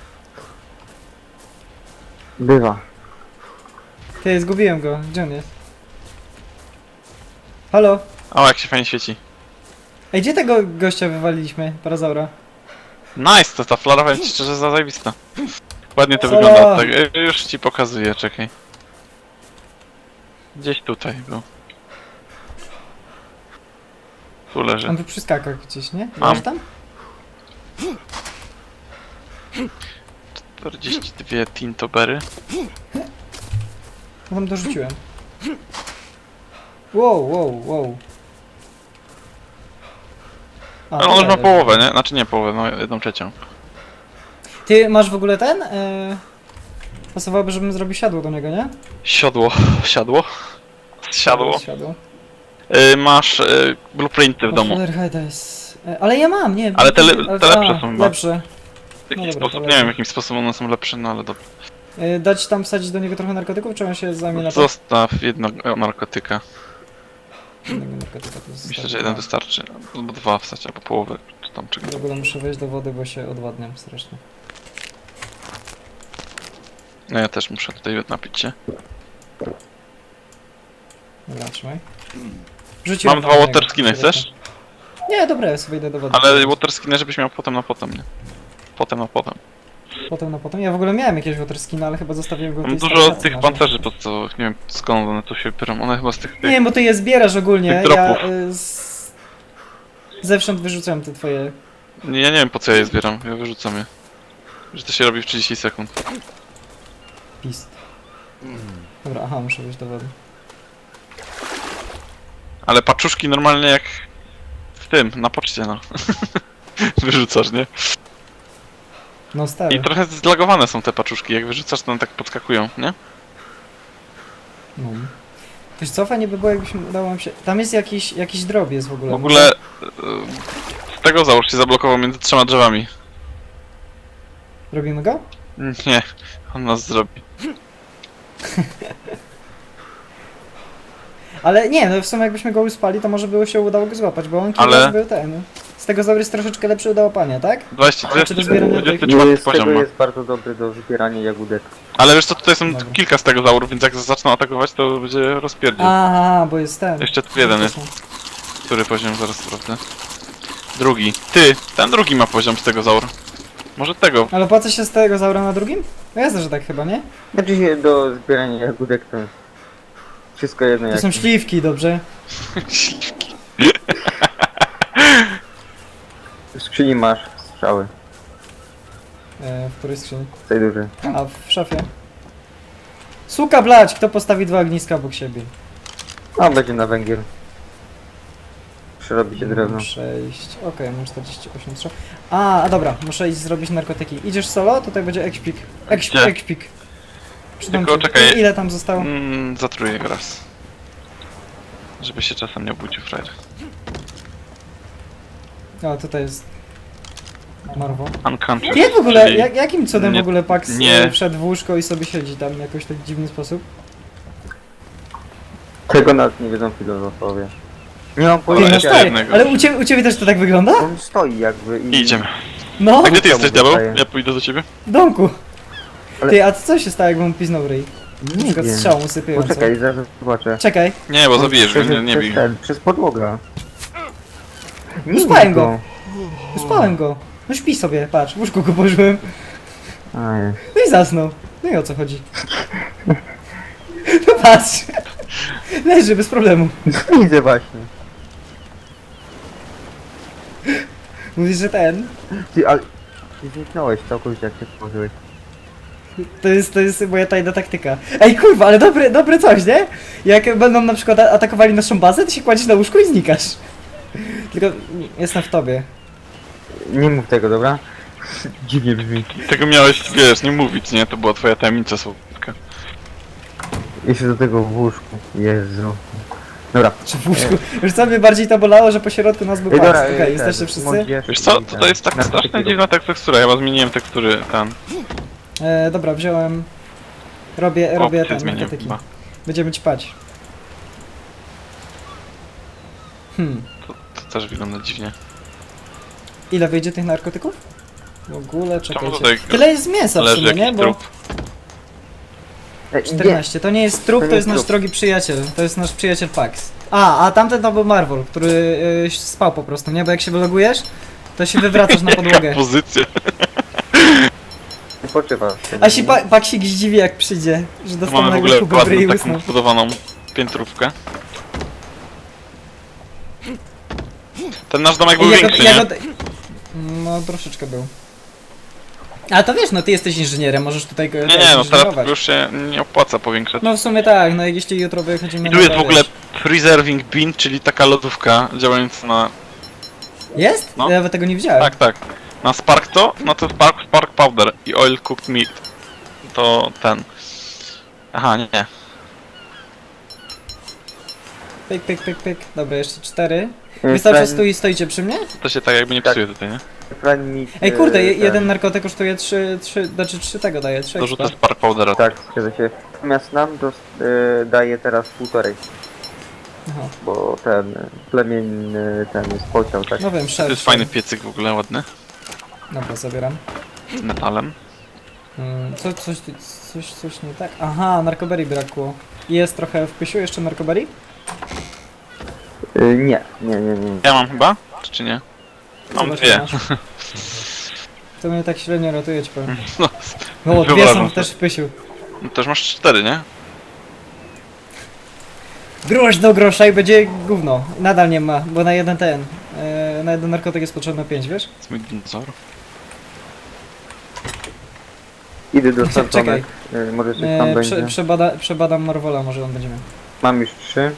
[SPEAKER 3] Bywa.
[SPEAKER 1] Ty, zgubiłem go, gdzie on jest? Halo?
[SPEAKER 2] O, jak się fajnie świeci.
[SPEAKER 1] Ej, gdzie tego gościa wywaliliśmy, parazaura?
[SPEAKER 2] Nice, to ta flara powiem ci szczerze zajebista. Ładnie to
[SPEAKER 1] Solo.
[SPEAKER 2] wygląda. Tak, już ci pokazuję, czekaj. Gdzieś tutaj był. Tu leży.
[SPEAKER 1] On by przyskakał gdzieś, nie?
[SPEAKER 2] Mam.
[SPEAKER 1] Leży tam?
[SPEAKER 2] 42 tintobery.
[SPEAKER 1] No tam dorzuciłem. Wow. A,
[SPEAKER 2] Ale on już ma
[SPEAKER 1] leży.
[SPEAKER 2] połowę, nie? Znaczy nie połowę, no 1/3.
[SPEAKER 1] Ty masz w ogóle ten? Pasowałoby, żebym zrobił siadło do niego, nie?
[SPEAKER 2] Siodło. Siadło? Siadło.
[SPEAKER 1] Siadło.
[SPEAKER 2] Masz blueprinty w domu.
[SPEAKER 1] Ale ja mam, nie.
[SPEAKER 2] Ale te
[SPEAKER 1] ale-
[SPEAKER 2] lepsze są chyba.
[SPEAKER 1] Lepsze.
[SPEAKER 2] W jakiś
[SPEAKER 1] No dobra,
[SPEAKER 2] sposób,
[SPEAKER 1] to
[SPEAKER 2] nie wiem w
[SPEAKER 1] lepiej.
[SPEAKER 2] jakim sposobem one są lepsze, no ale dobra.
[SPEAKER 1] Dać tam wsadzić do niego trochę narkotyków, czy on się zajmie na to?
[SPEAKER 2] Zostaw jedno narkotyka.
[SPEAKER 1] Jednego narkotyka to
[SPEAKER 2] Myślę,
[SPEAKER 1] zostawię.
[SPEAKER 2] że jeden wystarczy. Albo dwa wstać, albo połowę, czy tam czegoś.
[SPEAKER 1] W ogóle muszę wejść do wody, bo się odwadniam strasznie.
[SPEAKER 2] No ja też muszę tutaj napić się.
[SPEAKER 1] Dobra, trzymaj. Rzuciłem
[SPEAKER 2] Mam
[SPEAKER 1] tam
[SPEAKER 2] dwa
[SPEAKER 1] jednego,
[SPEAKER 2] waterskiny,
[SPEAKER 1] zobaczę.
[SPEAKER 2] chcesz?
[SPEAKER 1] Nie, dobra, ja sobie idę do wody.
[SPEAKER 2] Ale waterskiny, żebyś miał potem na potem, nie? Potem na potem.
[SPEAKER 1] Potem na potem. Ja w ogóle miałem jakieś waterskiny, ale chyba zostawiłem go w
[SPEAKER 2] Mam
[SPEAKER 1] tej
[SPEAKER 2] dużo
[SPEAKER 1] stacji
[SPEAKER 2] tych
[SPEAKER 1] naszej.
[SPEAKER 2] pancerzy podstawowych, nie wiem skąd one tu się biorą. One chyba z tych...
[SPEAKER 1] Nie wiem, bo ty je zbierasz ogólnie.
[SPEAKER 2] Tych
[SPEAKER 1] Ja
[SPEAKER 2] dropów.
[SPEAKER 1] zewsząd wyrzucałem te twoje.
[SPEAKER 2] Ja nie wiem po co ja je zbieram, ja wyrzucam je. Że to się robi w 30 sekund.
[SPEAKER 1] Pist. Dobra, aha, muszę wejść do wody.
[SPEAKER 2] Ale paczuszki normalnie jak w tym, na poczcie no. Wyrzucasz, nie?
[SPEAKER 1] No stary.
[SPEAKER 2] I trochę zlagowane są te paczuszki, jak wyrzucasz to one tak podskakują, nie?
[SPEAKER 1] No. Wiesz co, fajnie by było, jakbyśmy udało nam się... Tam jest jakiś drop jest w ogóle.
[SPEAKER 2] W ogóle... Z tego załóż się zablokował między trzema drzewami.
[SPEAKER 1] Robimy go?
[SPEAKER 2] Nie, on nas zrobi.
[SPEAKER 1] Ale nie, no w sumie jakbyśmy go uspali, to może było się udało go złapać, bo on
[SPEAKER 2] Ale-
[SPEAKER 1] kiedyś był ten. Z tego zaur jest troszeczkę lepszy do łapania, tak?
[SPEAKER 2] 20,
[SPEAKER 1] Czy do zbierania tych-
[SPEAKER 2] 24
[SPEAKER 3] Z
[SPEAKER 2] poziom
[SPEAKER 3] tego
[SPEAKER 2] ma.
[SPEAKER 3] jest bardzo dobry do zbierania jagódek.
[SPEAKER 2] Ale wiesz co, tutaj są
[SPEAKER 1] Dobra.
[SPEAKER 2] kilka z tego zaurów, więc jak zaczną atakować, to będzie rozpierdziel.
[SPEAKER 1] Aha, bo jest ten.
[SPEAKER 2] Jeszcze tu jeden jest. Który poziom? Zaraz sprawdzę. Drugi. Ty! Ten drugi ma poziom z tego zaur. Może tego.
[SPEAKER 1] Ale opłaca się z tego zaura na drugim? No jasne, że tak chyba, nie?
[SPEAKER 3] Znaczy się do zbierania jagódek to jest wszystko jedno
[SPEAKER 1] To
[SPEAKER 3] jak...
[SPEAKER 1] są śliwki, dobrze?
[SPEAKER 3] W skrzyni masz strzały,
[SPEAKER 1] W której skrzyni?
[SPEAKER 3] w tej dużej.
[SPEAKER 1] A, w szafie. Suka blać! Kto postawi dwa ogniska obok siebie?
[SPEAKER 3] A, będzie na węgiel. Przerobi się drewno.
[SPEAKER 1] 6. Okej, mam 48 strzał. A dobra, muszę iść zrobić narkotyki. Idziesz solo? Tutaj będzie ekspik.
[SPEAKER 2] Gdzie?
[SPEAKER 1] Ekspik. Przydam
[SPEAKER 2] Tylko
[SPEAKER 1] ci.
[SPEAKER 2] czekaj.
[SPEAKER 1] Ile tam zostało?
[SPEAKER 2] Zatruję go raz. Żeby się czasem nie obudził frajer.
[SPEAKER 1] O, tutaj jest... Marwo.
[SPEAKER 2] Unconscious.
[SPEAKER 1] Jak w ogóle,
[SPEAKER 2] czyli-
[SPEAKER 1] jakim cudem
[SPEAKER 2] nie-
[SPEAKER 1] w ogóle Pax
[SPEAKER 2] nie.
[SPEAKER 1] wszedł w łóżko i sobie siedzi tam jakoś tak dziwny sposób?
[SPEAKER 3] Tego nawet nie wiedzą filozofowie. Nie mam
[SPEAKER 1] Ty,
[SPEAKER 2] Ale
[SPEAKER 1] no
[SPEAKER 3] pojęcia.
[SPEAKER 2] jeszcze
[SPEAKER 1] stary,
[SPEAKER 2] jednego.
[SPEAKER 1] ale u ciebie też to tak wygląda?
[SPEAKER 3] On stoi jakby i...
[SPEAKER 2] Idziemy.
[SPEAKER 1] No,
[SPEAKER 2] A gdzie ty
[SPEAKER 3] to
[SPEAKER 2] jesteś,
[SPEAKER 3] mu
[SPEAKER 2] diabeł?
[SPEAKER 3] dostaję.
[SPEAKER 2] Ja pójdę do ciebie.
[SPEAKER 1] w domku.
[SPEAKER 3] Ale-
[SPEAKER 1] Ty, a co się stało, jakbym piznął ryj? Na
[SPEAKER 3] Nie
[SPEAKER 1] przykład
[SPEAKER 3] wiem.
[SPEAKER 1] strzałą usypiającą.
[SPEAKER 3] Poczekaj, zaraz zobaczę.
[SPEAKER 1] Czekaj,
[SPEAKER 2] Nie, bo zabijesz mnie,
[SPEAKER 3] Przez-
[SPEAKER 2] nie
[SPEAKER 3] przez
[SPEAKER 2] bij.
[SPEAKER 3] ten, Przez podłogę. Nie
[SPEAKER 1] Uspałem
[SPEAKER 3] bij
[SPEAKER 1] go. Uspałem go. No śpi sobie, patrz, w łóżku go położyłem.
[SPEAKER 3] Aj.
[SPEAKER 1] No i zasnął. No i o co chodzi? No patrz. Leży bez problemu.
[SPEAKER 3] Widzę właśnie.
[SPEAKER 1] Mówisz, że ten.
[SPEAKER 3] Ty, ale... Ty zniknąłeś całkowicie jak się położyłeś.
[SPEAKER 1] To jest moja tajna taktyka. Ej kurwa, ale dobre coś, nie? Jak będą na przykład atakowali naszą bazę, to się kładziesz na łóżku i znikasz. Tylko jestem w tobie.
[SPEAKER 3] Nie mów tego, dobra? Dziwnie brzmi.
[SPEAKER 2] Tego miałeś, wiesz, nie mówić, nie? To była twoja tajemnica słodka.
[SPEAKER 3] Jeszcze do tego w łóżku. Jezu. Dobra.
[SPEAKER 1] Czy w łóżku? Już co mnie bardziej to bolało, że po środku nas był
[SPEAKER 3] Ej,
[SPEAKER 1] pas.
[SPEAKER 3] dobra,
[SPEAKER 1] Okej, jesteście wszyscy?
[SPEAKER 2] Wiesz co, to jest tak strasznie dziwna tekstura, ja zmieniłem tekstury, ten.
[SPEAKER 1] Dobra, wziąłem... Robię
[SPEAKER 2] Opcję
[SPEAKER 1] ten,
[SPEAKER 2] zmieniłem
[SPEAKER 1] narkotyki.
[SPEAKER 2] chyba.
[SPEAKER 1] Będziemy ćpać.
[SPEAKER 2] To też wygląda dziwnie.
[SPEAKER 1] Ile wyjdzie tych narkotyków? W ogóle, czekajcie.
[SPEAKER 2] tutaj
[SPEAKER 1] Tyle jest mięsa w
[SPEAKER 2] leży
[SPEAKER 1] sumie, nie?
[SPEAKER 2] jakiś
[SPEAKER 1] Bo
[SPEAKER 2] trup?
[SPEAKER 1] 14. To nie jest trup,
[SPEAKER 3] To
[SPEAKER 1] to
[SPEAKER 3] nie
[SPEAKER 1] jest
[SPEAKER 3] jest
[SPEAKER 1] nasz
[SPEAKER 3] trup.
[SPEAKER 1] drogi przyjaciel. To jest nasz przyjaciel Pax. A tamten to był Marvel, który spał po prostu, nie? Bo jak się wylogujesz, to się wywracasz na podłogę.
[SPEAKER 2] Pozycja.
[SPEAKER 3] Poczywa.
[SPEAKER 1] A się Paksik zdziwi jak przyjdzie, że
[SPEAKER 2] Tu
[SPEAKER 1] dostał
[SPEAKER 2] mamy w
[SPEAKER 1] nagle
[SPEAKER 2] ogóle
[SPEAKER 1] kubę w ryj i
[SPEAKER 2] ładną
[SPEAKER 1] usnął.
[SPEAKER 2] taką zbudowaną piętrówkę. Ten nasz domek był większy, nie?
[SPEAKER 1] No troszeczkę był. Ale to wiesz, no ty jesteś inżynierem, możesz tutaj go
[SPEAKER 2] Nie, no teraz
[SPEAKER 1] inżynierować.
[SPEAKER 2] już się nie opłaca powiększać.
[SPEAKER 1] No w sumie tak, no jeśli jutro wychodzimy
[SPEAKER 2] I tu jest w
[SPEAKER 1] to
[SPEAKER 2] ogóle
[SPEAKER 1] wiesz.
[SPEAKER 2] preserving bin, czyli taka lodówka działająca na...
[SPEAKER 1] Jest?
[SPEAKER 2] No.
[SPEAKER 1] Ja nawet tego nie widziałem.
[SPEAKER 2] Tak, tak. Na spark to, no to spark powder i oil cooked meat. To ten. Aha, nie.
[SPEAKER 1] Pyk, pyk, pyk, pyk. Dobra, jeszcze 4.
[SPEAKER 3] E,
[SPEAKER 1] Wystarczy
[SPEAKER 3] Fran-
[SPEAKER 1] stoicie przy mnie?
[SPEAKER 2] To się tak jakby nie
[SPEAKER 3] Tak.
[SPEAKER 2] psuje tutaj, nie?
[SPEAKER 3] Fran mi,
[SPEAKER 1] Ej, kurde,
[SPEAKER 3] ten-
[SPEAKER 1] jeden narkotyk kosztuje 3, znaczy 3 tego daje, 3
[SPEAKER 2] Dorzucę
[SPEAKER 1] expa.
[SPEAKER 2] Spark Powdera.
[SPEAKER 3] Tak, zgadza się. Natomiast nam daje teraz 1,5,
[SPEAKER 1] Aha.
[SPEAKER 3] bo ten plemień ten jest pociął, tak?
[SPEAKER 1] No wiem,
[SPEAKER 2] To
[SPEAKER 1] szef.
[SPEAKER 2] jest fajny piecyk w ogóle, ładny.
[SPEAKER 1] Dobra, zabieram.
[SPEAKER 2] Z metalem.
[SPEAKER 1] Coś nie tak? Aha, narkoberii brakło. Jest trochę w pysiu jeszcze narkoberii?
[SPEAKER 3] Nie.
[SPEAKER 2] Ja mam chyba? Czy nie? Mam
[SPEAKER 1] Zobacz,
[SPEAKER 2] dwie.
[SPEAKER 1] masz. To mnie tak średnio ratuje, ci powiem.
[SPEAKER 2] No,
[SPEAKER 1] No, dwie
[SPEAKER 2] wyobrażam
[SPEAKER 1] są
[SPEAKER 2] sobie.
[SPEAKER 1] też w pysiu.
[SPEAKER 2] no też masz 4, nie?
[SPEAKER 1] Grosz do grosza i będzie gówno. Nadal nie ma, bo na jeden na jeden narkotyk jest potrzebne 5, wiesz?
[SPEAKER 2] To jest mój dinozaur.
[SPEAKER 3] Idę do
[SPEAKER 1] Czekaj.
[SPEAKER 3] Santonek. Może coś tam będzie.
[SPEAKER 1] Przebadam Marwola, może on będzie miał.
[SPEAKER 3] Mam już 3.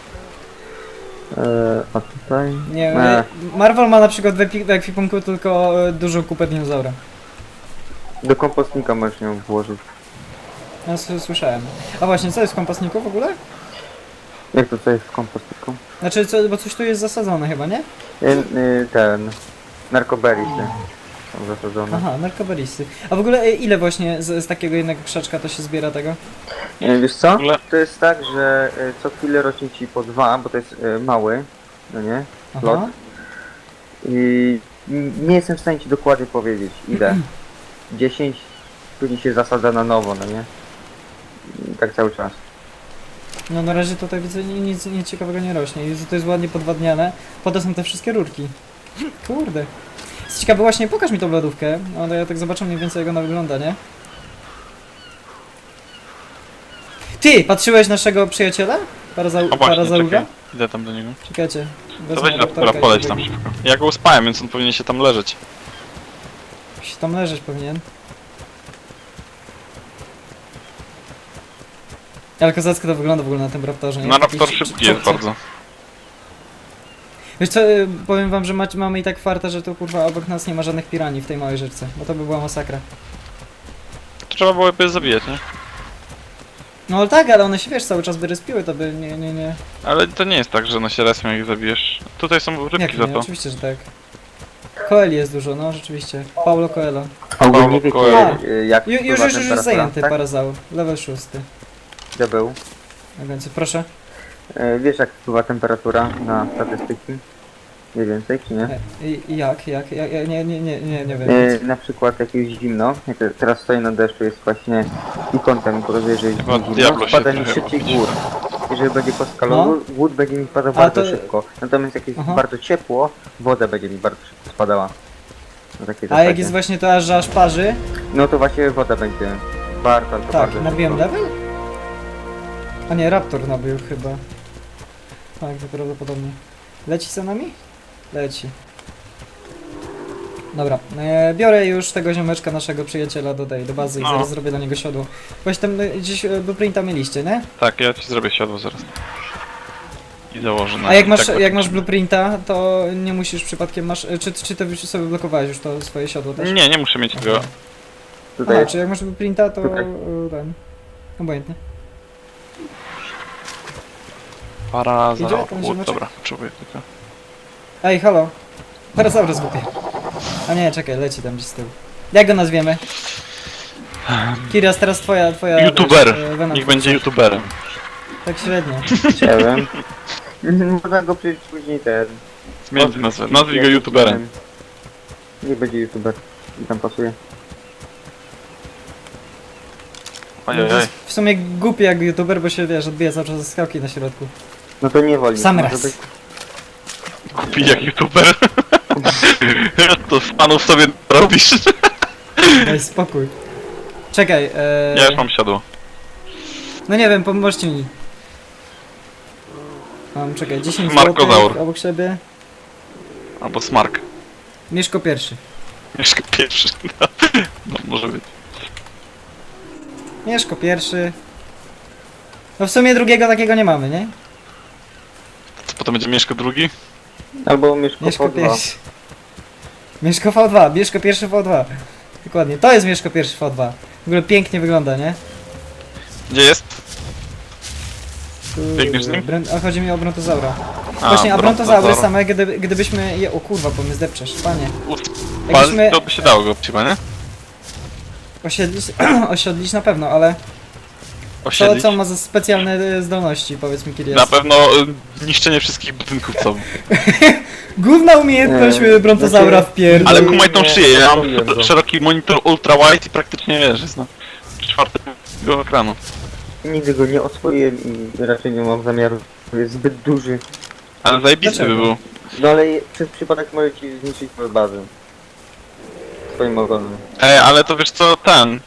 [SPEAKER 3] A tutaj?
[SPEAKER 1] Nie,
[SPEAKER 3] Nie.
[SPEAKER 1] Marvel ma na przykład w ekwipunku tylko dużą kupę dinozaura.
[SPEAKER 3] Do kompostnika możesz ją włożyć.
[SPEAKER 1] Ja słyszałem. A właśnie, co jest w kompostniku w ogóle?
[SPEAKER 3] Jak to co jest w kompostniku?
[SPEAKER 1] Znaczy, bo coś tu jest zasadzone chyba, nie?
[SPEAKER 3] Ten... Narkoberisy są zasadzone.
[SPEAKER 1] Aha, narkoberisy. A w ogóle ile właśnie z takiego jednego krzaczka to się zbiera tego?
[SPEAKER 3] Wiesz co?
[SPEAKER 2] ogóle-
[SPEAKER 3] To jest tak, że co chwilę rośnie ci po 2, bo to jest mały, no nie? Lot.
[SPEAKER 1] Aha.
[SPEAKER 3] I nie jestem w stanie ci dokładnie powiedzieć ile. 10, później się zasadza na nowo, no nie? I tak cały czas.
[SPEAKER 1] No na razie tutaj widzę nic ciekawego nie rośnie. I to jest ładnie podwadniane. Potem są te wszystkie rurki. Kurde. Jest ciekawe, właśnie pokaż mi tą lodówkę. Ale ja tak zobaczę mniej więcej jak ona wygląda, nie? Ty! Patrzyłeś naszego przyjaciela?
[SPEAKER 2] O właśnie,
[SPEAKER 1] Parazauga?
[SPEAKER 2] czekaj. Idę tam do niego.
[SPEAKER 1] Czekajcie.
[SPEAKER 2] To
[SPEAKER 1] wezmę
[SPEAKER 2] weź
[SPEAKER 1] raptorka
[SPEAKER 2] raptora,
[SPEAKER 1] i
[SPEAKER 2] poleć
[SPEAKER 1] pobiegnie.
[SPEAKER 2] tam szybko. Ja go uspałem, więc on powinien się tam leżeć.
[SPEAKER 1] Się tam leżeć powinien. Ale kozacko to wygląda w ogóle na tym raptorze. nie?
[SPEAKER 2] No
[SPEAKER 1] Taki
[SPEAKER 2] raptor szybki jest bardzo.
[SPEAKER 1] Wiesz co, powiem wam, że mamy i tak farta, że tu kurwa obok nas nie ma żadnych piranii w tej małej rzeczce. Bo to by była masakra.
[SPEAKER 2] To trzeba było je zabijać, nie?
[SPEAKER 1] No ale tak, ale one się wiesz, cały czas by respiły, to by nie.
[SPEAKER 2] Ale to nie jest tak, że one się respią jak ich zabijesz. Tutaj są
[SPEAKER 1] Jak
[SPEAKER 2] rybki za
[SPEAKER 1] nie?
[SPEAKER 2] to.
[SPEAKER 1] Oczywiście, że tak. Coeli jest dużo, no rzeczywiście. Paulo Coelho.
[SPEAKER 3] Ogólnie wiecie
[SPEAKER 1] Coelho.
[SPEAKER 3] jak
[SPEAKER 1] Już
[SPEAKER 3] wpływa
[SPEAKER 1] jest
[SPEAKER 3] temperatura,
[SPEAKER 1] zajęty
[SPEAKER 3] tak?
[SPEAKER 1] parazaur. Level 6.
[SPEAKER 3] Diabeł.
[SPEAKER 1] Na końcu, proszę.
[SPEAKER 3] Wiesz jak wpływa temperatura na statystyki? Mniej więcej, czy nie?
[SPEAKER 1] I jak? Nie wiem.
[SPEAKER 3] Na przykład jak jest zimno, jak teraz stoję na deszczu, jest właśnie i kątem pokazuje, że jest
[SPEAKER 2] Chyba
[SPEAKER 3] zimno,
[SPEAKER 2] Diablo się
[SPEAKER 3] spada mi
[SPEAKER 2] trochę
[SPEAKER 3] szybciej
[SPEAKER 2] robić.
[SPEAKER 3] gór. Jeżeli będzie kostka
[SPEAKER 1] No.
[SPEAKER 3] lodu, wód będzie mi spadał
[SPEAKER 1] A
[SPEAKER 3] bardzo
[SPEAKER 1] to-
[SPEAKER 3] szybko. Natomiast jak jest
[SPEAKER 1] Aha.
[SPEAKER 3] bardzo ciepło, woda będzie mi bardzo szybko spadała. Na takiej
[SPEAKER 1] A jak
[SPEAKER 3] zasadzie.
[SPEAKER 1] jest właśnie to, że aż parzy,
[SPEAKER 3] No to właśnie woda będzie bardzo, ale to
[SPEAKER 1] tak,
[SPEAKER 3] bardzo
[SPEAKER 1] nabiłem
[SPEAKER 3] szybko.
[SPEAKER 1] level? A nie, Raptor nabił chyba. Tak, to prawdopodobnie. Leci za nami? Leci. Dobra, biorę już tego ziomeczka, naszego przyjaciela do bazy i
[SPEAKER 2] No.
[SPEAKER 1] zaraz zrobię dla niego siodło. Właśnie tam gdzieś blueprinta mieliście, nie?
[SPEAKER 2] Tak, ja ci zrobię siodło zaraz. I założę na
[SPEAKER 1] A jak
[SPEAKER 2] i
[SPEAKER 1] masz,
[SPEAKER 2] tak
[SPEAKER 1] jak masz blueprinta, to nie musisz przypadkiem czy to już sobie blokowałeś już to swoje siodło też?
[SPEAKER 2] Nie muszę mieć tego.
[SPEAKER 3] Tutaj
[SPEAKER 1] Aha,
[SPEAKER 3] jest,
[SPEAKER 1] czy jak masz blueprinta, to
[SPEAKER 3] Tutaj.
[SPEAKER 1] ten. Obojętnie. Idzie
[SPEAKER 2] Parazaur.
[SPEAKER 1] ten ziomeczek?
[SPEAKER 2] Dobra, potrzebuję tylko.
[SPEAKER 1] Ej, halo. Parasaurus głupie. A nie, czekaj, leci tam gdzieś z tyłu. Jak go nazwiemy? Kiras, teraz twoja
[SPEAKER 2] YouTuber.
[SPEAKER 1] wiesz, Venom
[SPEAKER 2] Niech
[SPEAKER 1] Force.
[SPEAKER 2] będzie YouTuberem.
[SPEAKER 1] Tak średnio.
[SPEAKER 3] chciałem. Można go przecież później ten...
[SPEAKER 2] Zmień nazwę. Nazwij go YouTuberem.
[SPEAKER 3] Nie będzie YouTuber. I tam pasuje.
[SPEAKER 2] Ojej.
[SPEAKER 1] W sumie głupi jak YouTuber, bo się wiesz, odbija cały czas ze skałki na środku.
[SPEAKER 3] No to nie woli.
[SPEAKER 1] Sam
[SPEAKER 3] Może
[SPEAKER 1] raz.
[SPEAKER 3] być-
[SPEAKER 2] Kupi jak YouTuber. To z panów sobie robisz.
[SPEAKER 1] Daj spokój. Czekaj,
[SPEAKER 2] Ja już mam siodło.
[SPEAKER 1] no nie wiem, pomóżcie mi. Mam, czekaj, 10
[SPEAKER 2] Markozaur.
[SPEAKER 1] złotych obok siebie.
[SPEAKER 2] Albo Smark.
[SPEAKER 1] Mieszko pierwszy.
[SPEAKER 2] Mieszka pierwszy. No może być.
[SPEAKER 1] Mieszko pierwszy. No w sumie drugiego takiego nie mamy, nie?
[SPEAKER 2] Co potem będzie Mieszko drugi?
[SPEAKER 3] Albo Mieszko
[SPEAKER 1] Mieszko
[SPEAKER 3] V2.
[SPEAKER 1] pierwszy. Mieszko V2, Mieszko pierwszy V2. Dokładnie, to jest Mieszko pierwszy V2. W ogóle pięknie wygląda, nie?
[SPEAKER 2] Gdzie jest? Biegniesz z nim?
[SPEAKER 1] A chodzi mi o brontozaura. Właśnie, a brontozaury same, gdybyśmy je... O kurwa, bo mnie zdepczesz, panie. Jakbyśmy
[SPEAKER 2] To by się dało go chyba, nie?
[SPEAKER 1] osiedlić, osiodlić na pewno, ale
[SPEAKER 2] Osiedlić.
[SPEAKER 1] co ma za specjalne zdolności, powiedz mi, kiedy
[SPEAKER 2] Na
[SPEAKER 1] jest.
[SPEAKER 2] pewno niszczenie wszystkich budynków, co...
[SPEAKER 1] Główna umiejętność brontozaura
[SPEAKER 3] znaczy-
[SPEAKER 1] w pier...
[SPEAKER 2] Ale kumaj tą szyję, ja
[SPEAKER 3] Robiłem
[SPEAKER 2] mam
[SPEAKER 3] to.
[SPEAKER 2] szeroki monitor ultra wide i praktycznie wiesz, jest na czwartego ekranu.
[SPEAKER 3] Nigdy go nie oswoiłem i raczej nie mam zamiaru. Jest zbyt duży.
[SPEAKER 2] Ale zajebisty by
[SPEAKER 1] Dlaczego?
[SPEAKER 2] był.
[SPEAKER 3] No ale przez przypadek może ci zniszczyć moją bazę. Swoim ogonem.
[SPEAKER 2] Ale to wiesz co,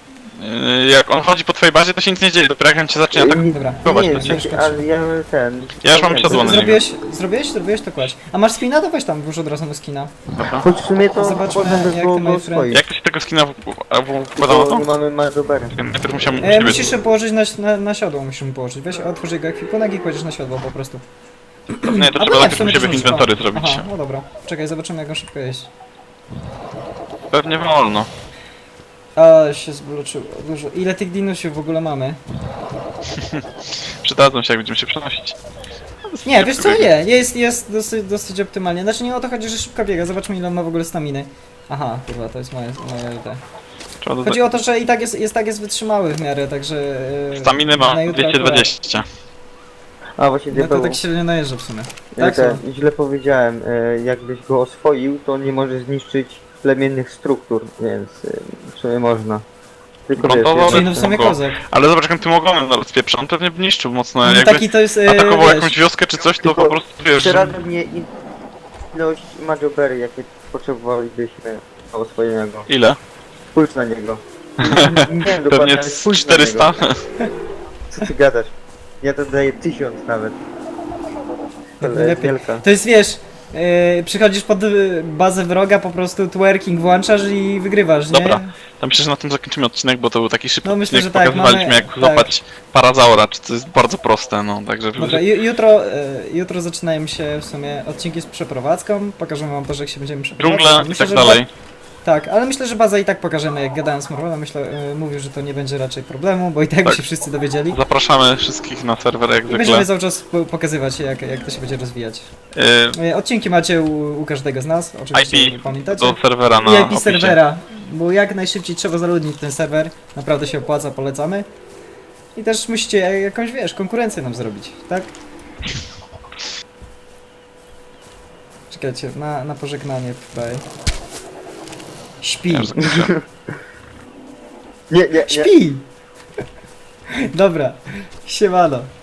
[SPEAKER 2] jak on chodzi po twojej bazie, to się nic nie dzieje, dopiero jak on cię zacznie atakować.
[SPEAKER 1] Dobra.
[SPEAKER 3] Nie,
[SPEAKER 2] to
[SPEAKER 3] w
[SPEAKER 2] cię
[SPEAKER 3] sensie, ale ja ten...
[SPEAKER 2] Ja już mam siodło na niego.
[SPEAKER 1] Zrobiłeś, to kładź. A masz skina? To weź tam, włóż od razu na skina.
[SPEAKER 2] Dobra.
[SPEAKER 3] Choć w sumie to
[SPEAKER 1] Zobaczmy,
[SPEAKER 3] potem by
[SPEAKER 1] jak
[SPEAKER 3] było
[SPEAKER 1] ty, my
[SPEAKER 3] go
[SPEAKER 1] friend.
[SPEAKER 3] swoich.
[SPEAKER 2] Jak to się tego skina wkładało
[SPEAKER 3] Bo nie
[SPEAKER 2] to?
[SPEAKER 3] mamy Majobery.
[SPEAKER 2] Najpierw musiałem...
[SPEAKER 1] Musisz położyć na siodło, musimy położyć. Weź, otwórz jego ekwipunek i kładziesz na siodło po prostu.
[SPEAKER 2] Nie, to
[SPEAKER 1] Albo
[SPEAKER 2] trzeba
[SPEAKER 1] nie,
[SPEAKER 2] najpierw u
[SPEAKER 1] sumie
[SPEAKER 2] siebie
[SPEAKER 1] to
[SPEAKER 2] inwentory
[SPEAKER 1] szybko.
[SPEAKER 2] zrobić.
[SPEAKER 1] Aha, no dobra. Czekaj, zobaczymy jak on szybko jeść.
[SPEAKER 2] Pewnie wolno.
[SPEAKER 1] A, się zbloczyło dużo. Ile tych dinusiów w ogóle mamy?
[SPEAKER 2] Przydadzą się, jak będziemy się przenosić.
[SPEAKER 1] Nie, wiesz co, nie, jest dosyć optymalnie. Znaczy nie o to chodzi, że szybko biega, zobaczmy ile on ma w ogóle staminy. Aha, kurwa, to jest moje te.
[SPEAKER 2] Trzeba dodać.
[SPEAKER 1] Chodzi o to, że i tak jest wytrzymały w miarę, także...
[SPEAKER 2] Staminy ma
[SPEAKER 1] na jutro
[SPEAKER 2] 220.
[SPEAKER 3] A właśnie
[SPEAKER 1] No to
[SPEAKER 3] diabeł,
[SPEAKER 1] tak średnio najeżdża w sumie.
[SPEAKER 3] ja
[SPEAKER 1] Tak,
[SPEAKER 3] ten, źle powiedziałem, jakbyś go oswoił, to nie może zniszczyć plemiennych struktur, więc w sumie można. Tylko wiesz,
[SPEAKER 2] Gruntowo,
[SPEAKER 1] Czyli no w sumie
[SPEAKER 2] go.
[SPEAKER 1] kozak.
[SPEAKER 2] Ale zobacz, jak tym ogonem rozpieprza, on pewnie by niszczył mocno,
[SPEAKER 1] No
[SPEAKER 2] jakby
[SPEAKER 1] taki to jest,
[SPEAKER 2] atakował
[SPEAKER 1] wiesz,
[SPEAKER 2] jakąś wioskę czy coś, to
[SPEAKER 3] Tylko
[SPEAKER 2] po prostu wiesz...
[SPEAKER 3] przerada mnie ilość Majobery, jakie potrzebowalibyśmy do oswojenia go.
[SPEAKER 2] Ile?
[SPEAKER 3] Spójrz na niego. Nie wiem dokładnie,
[SPEAKER 2] Pewnie
[SPEAKER 3] ale
[SPEAKER 2] z
[SPEAKER 3] spójrz na
[SPEAKER 2] 400?
[SPEAKER 3] niego. Co ty gadasz? Ja to daję 1000 nawet. To jest
[SPEAKER 1] Lepiej.
[SPEAKER 3] wielka.
[SPEAKER 1] To jest, wiesz, przychodzisz pod bazę wroga, po prostu twerking włączasz i wygrywasz, nie?
[SPEAKER 2] Dobra. To myślę, że na tym zakończymy odcinek, bo to był taki szybki
[SPEAKER 1] No, myślę,
[SPEAKER 2] odcinek,
[SPEAKER 1] że tak,
[SPEAKER 2] pokazywaliśmy
[SPEAKER 1] mamy-
[SPEAKER 2] jak
[SPEAKER 1] tak.
[SPEAKER 2] złapać parazaura, czy to jest bardzo proste, no, także...
[SPEAKER 1] Dobra, jutro zaczynają się w sumie odcinki z przeprowadzką, pokażemy wam to, że jak się będziemy przeprowadzać.
[SPEAKER 2] Dżungla i
[SPEAKER 1] Myślę,
[SPEAKER 2] tak
[SPEAKER 1] że
[SPEAKER 2] dalej.
[SPEAKER 1] Tak, ale myślę, że bazę i tak pokażemy, jak gadałem z Morwelem, mówił, że to nie będzie raczej problemu, bo i tak by
[SPEAKER 2] Tak.
[SPEAKER 1] się wszyscy dowiedzieli.
[SPEAKER 2] Zapraszamy wszystkich na serwer jak
[SPEAKER 1] I
[SPEAKER 2] zwykle.
[SPEAKER 1] będziemy cały czas pokazywać, jak to się będzie rozwijać. Odcinki macie u każdego z nas, oczywiście
[SPEAKER 2] IP
[SPEAKER 1] pamiętacie.
[SPEAKER 2] do serwera na
[SPEAKER 1] I IP
[SPEAKER 2] opisie.
[SPEAKER 1] serwera, bo jak najszybciej trzeba zaludnić ten serwer, naprawdę się opłaca, polecamy. I też musicie jakąś, wiesz, konkurencję nam zrobić, tak? Czekajcie, na pożegnanie tutaj. Śpi,
[SPEAKER 2] Ja już zakończyłem.
[SPEAKER 3] Nie.
[SPEAKER 1] śpi! Dobra, siemano.